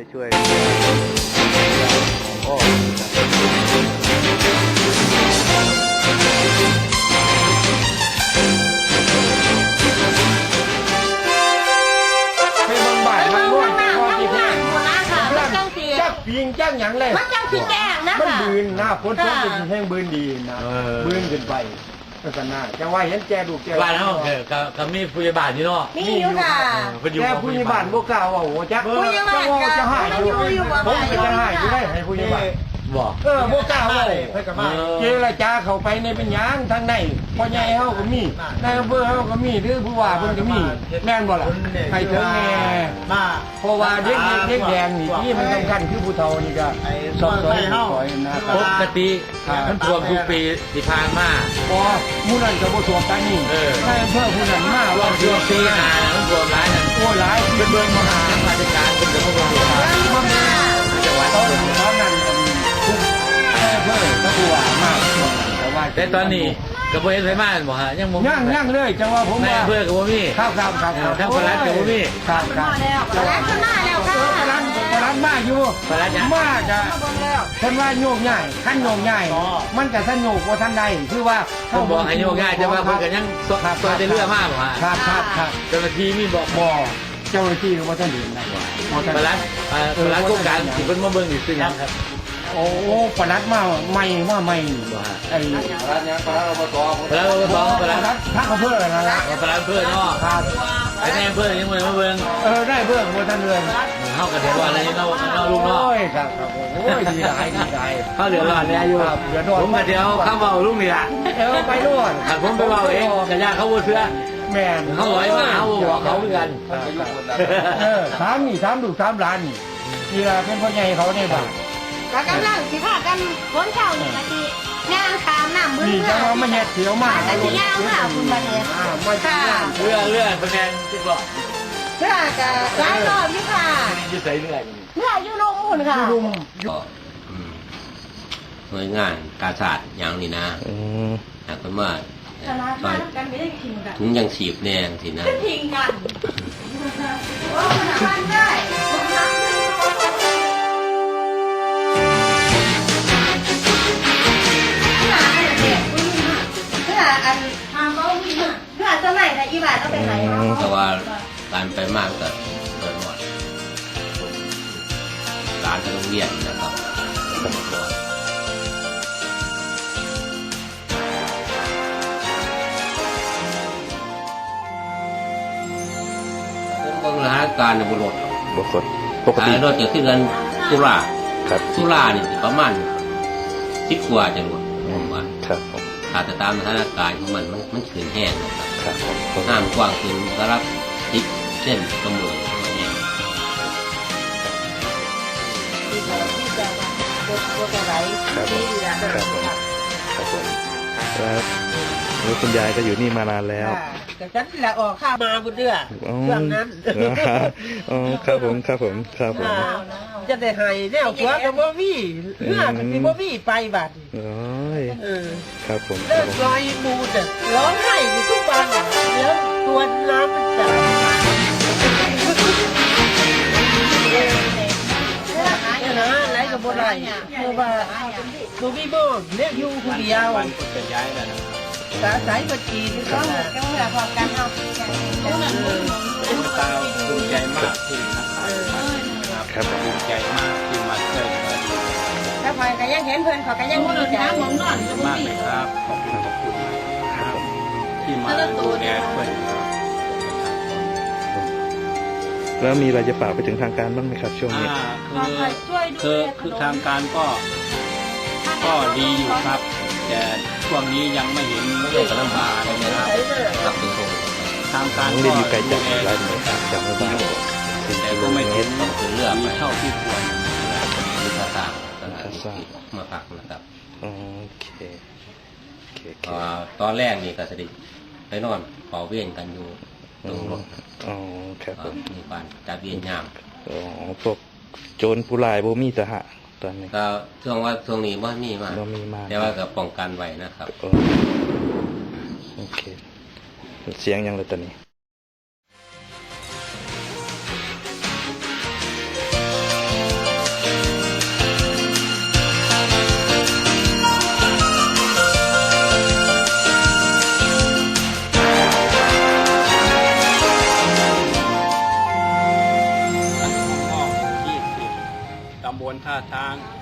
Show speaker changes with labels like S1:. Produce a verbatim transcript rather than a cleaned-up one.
S1: ช่วยพ่อ
S2: ไปเบิ่งบ้านมันร่วงพอที่เพิ่น
S3: จักปิงจักหยังเลย
S2: มันจังสิแจ้งนะ
S3: มัน
S2: ค่ะ
S3: บืนหน้าฝนตกเป็นแห้งบืนดีนะบืนขึ้นไปก็สนาจังว่าเห็นแกดูแก
S4: บ้านเขาคือกับมีผู้ใหญ่บ้านนี่เนาะ
S2: มีอยู่ค่ะ
S3: แกผู้ใหญ่บ้านบ่กล้าว่าโอ้จัก
S2: ผู้ใหญ่บ้าน
S3: จะจะหายอยู่
S2: ผู้ใหญ่บ้าน
S3: ผมก็จะหายอยู่ได้ให้ผู้ใหญ่บ้าน
S4: บอก
S3: เออบ่กล้าว่าเจรจาเข้าไปในเป็นหยังทางในพ่อใหญ่เฮาก็มีนายอำเภอเฮาก็มีหรือผู้ว่าเพิ่นก็มีแม่นบ่ล่ะให้ถึงแน่เพราะว่าเด็กเด็กแดงนี่ที่มันสำคัญคือผู้เฒ่านี่ก็สอบสอยสอยนะ
S4: ปกติมันท่วมทุกปีที่ผ่านมา
S3: พอมูนันกับผู้สวมกันนี่นายอำเภอผู้นั้นมา
S4: ท่ว
S3: ว่าม
S4: ทุกปีหามันท่วมร้ายนั่น
S3: โอ้หลาย
S4: เป็นเบิร์นมหาราชการเป็นเจ้าพระองค์จังหวัด
S3: ตอนตอนนั้นทุกนายอำเภอก็ผู้ว่ามากแต่ว่า
S4: แต่ตอนนี้กระบวนการไฟมาบ่ฮะยังบ่
S3: ย่างย่างเลยจังว่าผม
S4: ใน
S3: ว่า
S4: อำเภอกับบ่มี
S3: ครับครับครับ
S4: ทั้งพลัดกับบ่มี
S3: ครับครับ
S2: แล้วแล้วก็มาแล้วค่ะ
S3: พลัดพลัดมากอยู่
S4: พลัดยัง
S3: มากอะท่านว่าโยกง่ายขั้นโยกง่ายมันกับท่านโยกว่าท่านใดคือว่า
S4: ผมบอกให้โยกง่ายจะว่าเพิ่นก็ยังซอยได้เรือมาบ่ฮะ
S3: ครับครับครับ
S4: เจ้าหน้าที่มีบอก
S3: บ่เจ้าหน้าที่ว่าท่านเห็นนะว่าท่าน
S4: พลัดเอ่อพลัดโครงการที่เพิ่นมาเบิ่งนี่ซื้อหยังครับ
S3: โอ้ปลัดมาใหม่มาใหม่
S4: บ่ฮะ
S3: ไอ้
S4: พลัดยังพลัดอบตพลัดอบตพลัด
S3: ทักอำเภอนั่นละ
S4: พลัดอำเภอเนาะ
S3: ครับ
S4: ไอ้ในอำเภอยังบ่ได้มาเบิ่ง
S3: เออได้เบื้องบนท่านเรือน
S4: เฮาก็เดือดร้อนแล้วเนาะเนาะลุงเนาะ
S3: โอ้ยครับครับโอ้ยดีใจดีใจ
S4: เฮาเดือดร้อนแล้วอยู่
S3: ครับเดือดร้อน
S4: ผมก็เดี๋ยวเข้าเว้าลุงนี่ล่ะ
S3: เออไปด้วย
S4: ถ้าผมไปเว้าเองก็ย่าเขาบ่เชื่อ
S3: แม่น
S4: เขาไหวมาเขาบอกเขาเหมือนกัน
S3: เออถามนี่ถามดูถามหลานนี่นี่ล่ะเป็นพ่อใหญ่เขาในบ้าน
S2: ก็กำลังสิพากันคนเช่านี่ก็สิย่างขามน้ำมือ
S3: นี่จะมาไม่เห็ดเสียวมาก
S2: แต่สิย่างค่ะคุณบัดนี้
S3: อ่าไม่ใช่
S2: ค่ะ
S4: เรือเรือเป็นแนที่บอก
S2: เพื่อก็หลายรอบอยู่ค่ะ
S4: อยู่ใส่เรือ
S2: เพื่ออยู่ลงหุ่นค่ะ
S3: ลุง
S5: ก็อืมหน่วยงานกาศาสตร์อย่างนี้นะ
S1: อืม
S5: หากเป็นว่า
S2: ตลาดบ้านกันไม่ได้ทิ้งกัน
S5: ถุงยังฉีบแนงสินะ
S2: ทิ้งกันโอ้คุณบ้านได้คุณน้ำได้เพื่ออันทำเขาวิ่งเพื่อสมัยนะอีบาทต้องไปไหน
S5: แต่ว่าการไปมากก็เกิดหมดร้านไปโรงเรียนนะครับผมเบิ่งสถานการณ์ในบุรุษ
S1: ปกติปกติ
S5: รถจะขึ้นกันตุลา
S1: ครับ
S5: ตุลานี่สิประมาณสิบกว่าจะหมดผมว่า
S1: ครับผม
S5: ถ้าจะตามสถานการณ์ของมันมันมันขืนแห้งนะครับ
S1: ครับผมผม
S5: น้ำกว้างขึ้นก็รับติดเส้นกระมือเนี่ย
S1: ครับผมครับผมครับผมแล้วแล้วคุณยายก็อยู่นี่มานานแล้ว
S6: แต่ฉันแหละออกข้ามาบุญเดือ
S1: อ๋อ
S6: เรื่องนั้น
S1: อ๋อครับผมครับผมครับผม
S6: จะได้ให้แนวขัวกับบ่มีเลือดมีบ่มีไปบัด
S1: โอ้ย
S6: เออ
S1: ครับผมค
S6: เลิ
S1: รับ
S6: ก
S1: ผม
S6: ลอยมูดอ่ะร้องไห้อยู่ทุกวันแล้วตัวน้ำมันจับนะอะไรกับบ่ได้เพราะว่าบ่มีบ่เลี้ยงอยู่คนเดียว
S4: จะย้ายแล้วนะ
S6: สาสายบัญชีนี่ก็
S2: ต้องเหลือพอกันเอา
S4: เป็นตาภูมิใจมากที่นะครับ
S1: ครับ
S4: ภูมิใจมากที่มาช่วยเหลือ
S2: ถ้าพอยก็ยังเห็นเพื่อนเขาก็ยังดีใจ
S4: มากเลยครับขอบคุณขอบคุณนะครับที่มาดูแลช่วยเหลือ
S1: แล้วมีอะไรจะฝากไปถึงทางการบ้างไหมครับช่วงนี้
S7: อ่าคือคือคือทางการก็ก็ดีอยู่ครับ แต่ช่วงนี้ยังไม่เห็น
S5: เรื่องลำบากนะครับกับตัวส่ง
S7: ทางการ
S1: น้อง
S7: ก็
S1: เรียนอยู่ไกลจาก
S7: ดูแล
S1: ร้านไหนครับจากหมู่บ้านสี่
S7: แต่
S1: กิโล
S7: ก็ไม่
S1: เม
S7: เห็
S1: ต
S7: น
S1: ร
S5: ต้องถึงเลือกไป
S7: ดีเท่าที่ควร
S5: มีภาษาสถานที่มาพักนะครับ
S1: โอเคโอเคโอเค
S5: อ่าตอนแรกนี่ก็สดิไปนอนขอเวียนกันอยู่ตรงรถ
S1: อ๋อครับผม
S5: มีการจัดเวียนยาม
S1: อ๋อพวกโจรผู้ร้ายบ่มีสหะตอนนี้
S5: ก็ช่วงว่าช่วงนี้ว่ามีมา
S1: บ่มีมา
S5: แต่ว่าก็ป้องกันไว้นะครับ
S1: โอ้โอเคเสียงยังเลยตอนนี้
S7: ท่าทาง